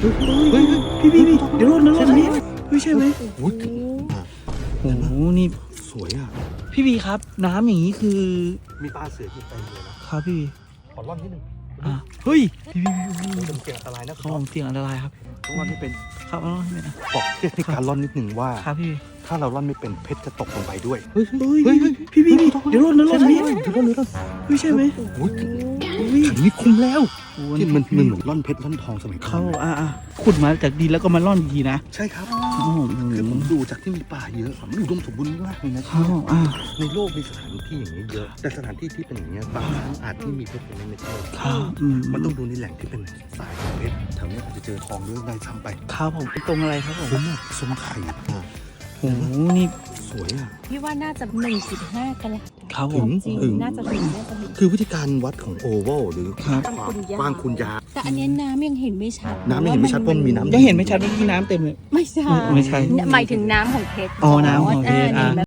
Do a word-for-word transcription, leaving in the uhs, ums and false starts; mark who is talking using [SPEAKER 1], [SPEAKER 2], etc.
[SPEAKER 1] เฮ้ยพี่พี่พี่เดี๋ยวรถนะรถนี้ไม่ใช่ไหม
[SPEAKER 2] โอ้ย
[SPEAKER 1] โอ้โหนี่
[SPEAKER 2] สวยอ่ะ
[SPEAKER 1] พี่บีครับน้ำอย่างนี้คือ
[SPEAKER 2] มีปลาเสืออยู่เต็มเลยนะครับ
[SPEAKER 1] พี่บี
[SPEAKER 2] ขอร่อนนิดนึง
[SPEAKER 1] อ่ะเฮ้ยพี่บีพี่บี
[SPEAKER 2] เป็นเสี่ยงอันตรายนะค
[SPEAKER 1] เขา
[SPEAKER 2] รับ
[SPEAKER 1] ผมเสี่ยงอันตรายครับ
[SPEAKER 2] ต้องร่อนไม่เป็น
[SPEAKER 1] ครับเอาไม่เป็นนะ
[SPEAKER 2] บอกเทคนิคการร่อนนิดนึงว่า
[SPEAKER 1] ครับพี่
[SPEAKER 2] ถ้าเราร่อนไม่เป็นเพชรจะตกลงไปด้วย
[SPEAKER 1] เฮ้ยเฮ้ยพี่บีพี่เดี๋ยวรถนะรถนี้
[SPEAKER 2] เดี๋ยวร่อนเดี๋ยวร่อน
[SPEAKER 1] ไม่ใช่ไหม
[SPEAKER 2] โอ้ย
[SPEAKER 1] เฮ้ย
[SPEAKER 2] ถังนี้คุ้มแล้ว
[SPEAKER 1] โอ้
[SPEAKER 2] ที่มันมันเหมือนร่อนเพชรร่อนทองสมัยก่อ
[SPEAKER 1] เขา
[SPEAKER 2] น
[SPEAKER 1] อ่ะอ่ะขุดมาจากดินแล้วก็มาล่อนอีกทีนะ
[SPEAKER 2] ใช่ครับ
[SPEAKER 1] โอ้โห
[SPEAKER 2] คือผมดูจากที่มีป่าเยอะมันอุดมสมบูรณ์มากเลยนะ
[SPEAKER 1] เขาอ่ะ
[SPEAKER 2] ในโลกมีสถานที่อย่างนี้เยอะ แต่สถานที่ที่เป็นอย่างนี้ยบางครั้งอาจที่มีเพชรเป็นไม่ใช่
[SPEAKER 1] เขาอืม
[SPEAKER 2] มันต้องดูในแหล่งที่เป็นสายของเพชรแถวนี้อาจจะเจอทองด้วยได้ซ้ำไป
[SPEAKER 1] เขาผมตรงอะไรครับผม
[SPEAKER 2] คุ้มอะสมไข่อะ
[SPEAKER 1] โอ้โหนี่
[SPEAKER 2] สวยอ่ะ
[SPEAKER 3] พี่ว่าน่าจะหนึ่งจุดห้ากะลัด
[SPEAKER 1] เขาผ
[SPEAKER 2] ถึ
[SPEAKER 1] ม
[SPEAKER 2] ง
[SPEAKER 3] จริง
[SPEAKER 2] ถึง
[SPEAKER 3] น่าจะถึงน่าจะถึง
[SPEAKER 2] คือวิธีการวัดของโอเวลหรือ
[SPEAKER 1] ครับ
[SPEAKER 2] ความกว้างคูณยาว
[SPEAKER 3] แต่อันเนี้ยน้ำยังเห็นไม่ชัด
[SPEAKER 2] น้ำยังเห็นไม่ชัดเพราะมันมีน้ำ
[SPEAKER 1] ยังเห็นไม่ชัดว่ามีน้ำเต็มเลย
[SPEAKER 3] ไม่ใช่
[SPEAKER 1] ไม่ใช่
[SPEAKER 3] หมายถึงน้ำของเพชร
[SPEAKER 1] อ๋อน้ำของเพชร
[SPEAKER 3] อ่า
[SPEAKER 1] อ่า
[SPEAKER 3] นี่